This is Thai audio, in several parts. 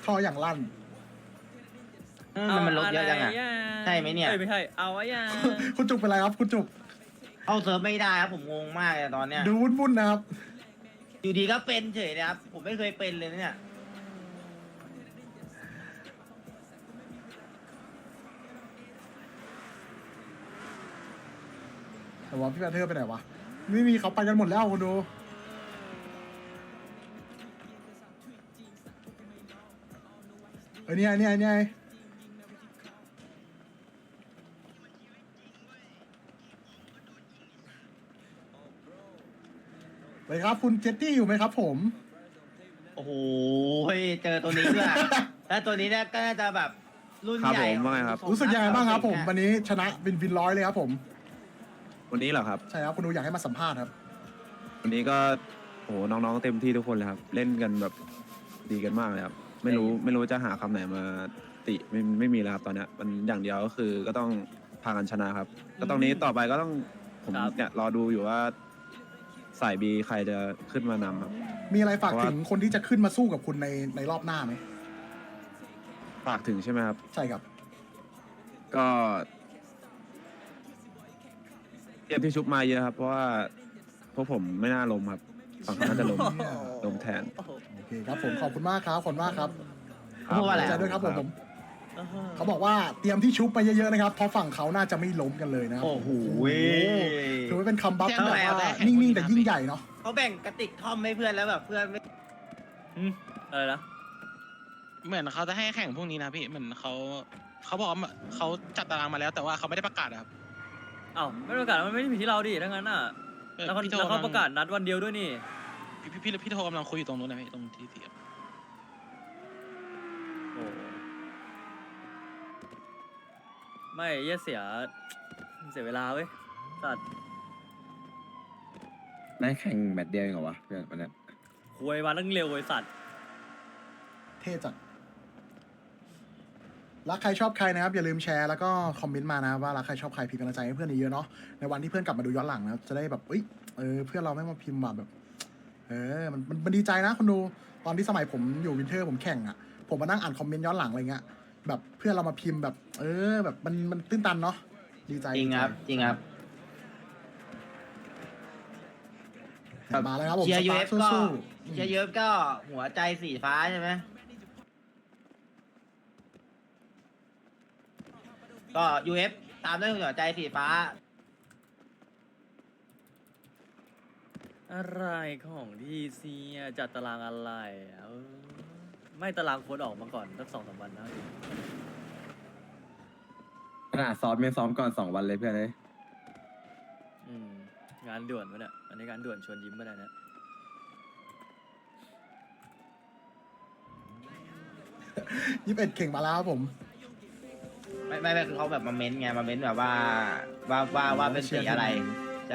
ท่ออย่างลั่นมันลดเยอะจังอ่ะใช่ไหมเนี่ยไม่ใช่เอาไว้ยังคุณจุกเป็นไรครับคุณจุกเข้าเซิร์ฟไม่ได้ครับผมงงมากเลยตอนเนี้ยดูวุ่นๆนะครับอยู่ดีก็เป็นเฉยนะครับผมไม่เคยเป็นเลยนะเนี่ยแต่ว่าพี่แพทเทอร์ไปไหนวะไม่มีเขาไปกันหมดแล้วคุณดูเนี่ยไปครับคุณเจตตี้อยู่ไหมครับผมโอ้โหเจอตัวนี้ด้วย แล้วตัวนี้เนี่ยก็น่าจะแบบรุ่นครับใหญ่ผมว่าไงครับรู้สึกยังไงบ้างครับผมวันนี้ชนะวินร้อยเลยครับผมวันนี้เหรอครับใช่ครับคุณดูอยากให้มาสัมภาษณ์ครับวันนี้ก็โหน้องๆเต็มที่ทุกคนเลยครับ เล่นกันแบบดีกันมากเลยครับ ไม่รู้จะหาคำไหนมาติไม่มีแล้วครับตอนเนี้ยมันอย่างเดียวก็คือก็ต้องพากันชนะครับก็ตรงนี้ต่อไปก็ต้องผมเนี่ยรอดูอยู่ว่าสายบีใครจะขึ้นมานำครับมีอะไรฝากเพราะว่าถึงคนที่จะขึ้นมาสู้กับคุณในรอบหน้าไหมฝากถึงใช่ไหมครับใช่ครับก็เตรียมที่ชุบมาเยอะครับ เพราะว่าพวกผมไม่น่าล้มครับฝั่งเขาน่าจะล้มแทนโอเคครับผมขอบคุณมากครับขอบคุณมากครับเพราะว่าอะไรใจด้วยครับผมเขาบอกว่าเตรียมที่ชุบไปเยอะๆนะครับเพราะฝั่งเขาน่าจะไม่ล้มกันเลยนะครับโอ้โหถือว่าเป็นคัมบัคที่แบบเอาว่าไปนิ่งๆแต่ยิ่งใหญ่เนาะเขาแบ่งกระติกท่อมให้เพื่อนแล้วแบบเพื่อนไม่อะไรนะเหมือนเขาจะให้แข่งพรุ่งนี้นะพี่เหมือนเขาบอกว่าเขาจัดตารางมาแล้วแต่ว่าเขาไม่ได้ประกาศอะครับอ้าวไม่ประกาศมันไม่ได้ผิดที่เราดิถ้างั้นน่ะเออแล้วเขาพี่โทแล้วเขาประกาศนัดวันเดียวด้วยนี่พี่โทรกำลังคุยอยู่ตรงนู้นนะพี่ตรงที่เสียบโอ้ไม่เหี้ยเสียเวลาเว้ยสัตว์ได้แข่งแมตช์เดียวเองเหรอวะเพื่อนวันเนี้ยควยมาตั้งเร็วไอ้สัตว์เท่จัดรักใครชอบใครนะครับอย่าลืมแชร์แล้วก็คอมเมนต์มานะว่ารักใครชอบใครพิมพ์กำลังใจให้เพื่อนเยอะๆเนาะในวันที่เพื่อนกลับมาดูย้อนหลังนะครับจะได้แบบเพื่อนเราไม่มาพิมพ์แบบมันดีใจนะคนดูตอนที่สมัยผมอยู่วินเทอร์ผมแข่งอ่ะผมมานั่งอ่านคอมเมนต์ย้อนหลังอะไรเงี้ยแบบเพื่อนเรามาพิมพ์แบบแบบมันตื้นตันเนาะดีใจจริงครับจริงครับมาแล้วครับผมเชียร์สยูตาเอร์ฟทก็สู้เชียร์ยูเอฟก็หัวใจสีฟ้าใช่ไหมก็ยูเอฟตามด้วยหัวใจสีฟ้าอะไรของทีซีจัดตารางอะไรอ่ะไม่ตารางโค้ดออกมาก่อนสัก2-3 วันนะขนาดซ้อมยังซ้อมก่อน2 วันเลยเพื่อนเลยงานด่วนปะเนี่ยอันนี้งานด่วนชวนยิ้มปะเนี่ย 21เข่งมาแล้วครับผมไม่คือเขาแบบมาเม้นต์ไงมาเม้นต์แบบว่าเป็นสีอะไรใช่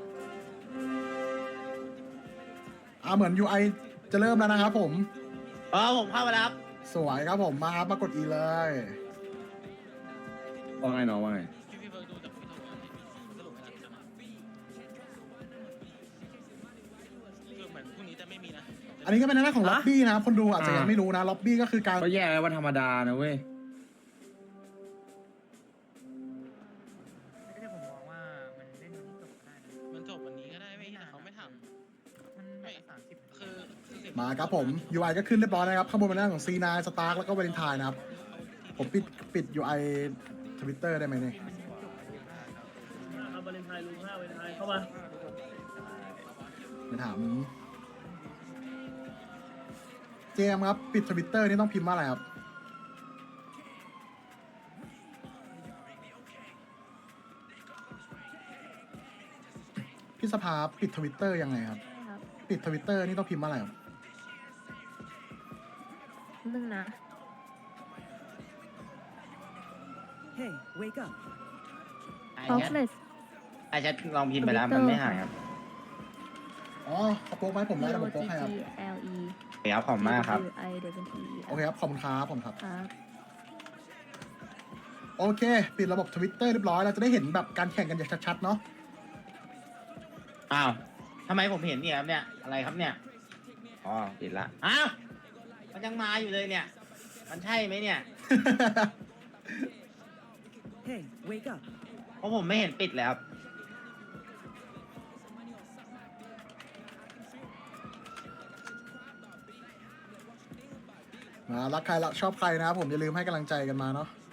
เหมือน UI จะเริ่มแล้วนะครับผมผมเข้ามาแล้วครับสวยครับผมมาครับมากด E เลยว่าไงน้องว่าไงพี่เบิร์ดดูจากพี่โทรก่อนสรุปไม่ได้คือเหมือนพรุ่งนี้จะไม่มีนะอันนี้ก็เป็นหน้าของล็อบบี้นะครับคนดูอาจจะยังไม่รู้นะล็อบบี้ก็คือการก็แย่แล้ววันธรรมดานะเว้ยไม่ได้ผมมองว่ามันเล่นวันนี้จบได้นะมันจบวันนี้ก็ได้ไม่แต่เขาไม่ทมันำแบไม่บ30 คือมาครับผม UI ก็ขึ้นเรียบร้อยนะครับข้างบนเป็นหน้าของ C9 สตาร์แล้วก็วาเลนไทน์นะครับ ผมปิด UI Twitter ได้ไหมเนี่ยครับวาเลนไทน์ลุง5วาเลนไทน์เข้ามาไปถามเจมส์ครับ ปิด Twitter นี่ต้องพิมพ์ว่าอะไรครับ พี่สภาปิด Twitter ยังไงครับ ปิด Twitter นี่ต้องพิมพ์ว่าอะไรครับนึงนะ Hey, wake up. ออฟเลสไอ้แชทลองพิมพ์ไปแล้วมันไม่หายครับอ๋อเขาโป๊กไหมผมได้แต่ผมโป๊กให้ครับ L E เดี๋ยวขอบคุณมากครับ I W T โอเคครับ ขอบคุณครับผมครับครับโอเค ปิดระบบ Twitter เรียบร้อยเราจะได้เห็นแบบการแข่งกันอย่างชัดๆเนาะอ้าวทำไมผมเห็นเนี่ยครับเนี่ยอะไรครับเนี่ยอ๋อปิดละอ้าวมันยังมาอยู่เลยเนี่ยมันใช่ไหมเนี่ย Hey, wake up. เพราะผมไม่เห็นปิดเลยครับรักใครรักชอบใครนะครับผมอย่าลืมให้กำลังใจกันมาเนาะ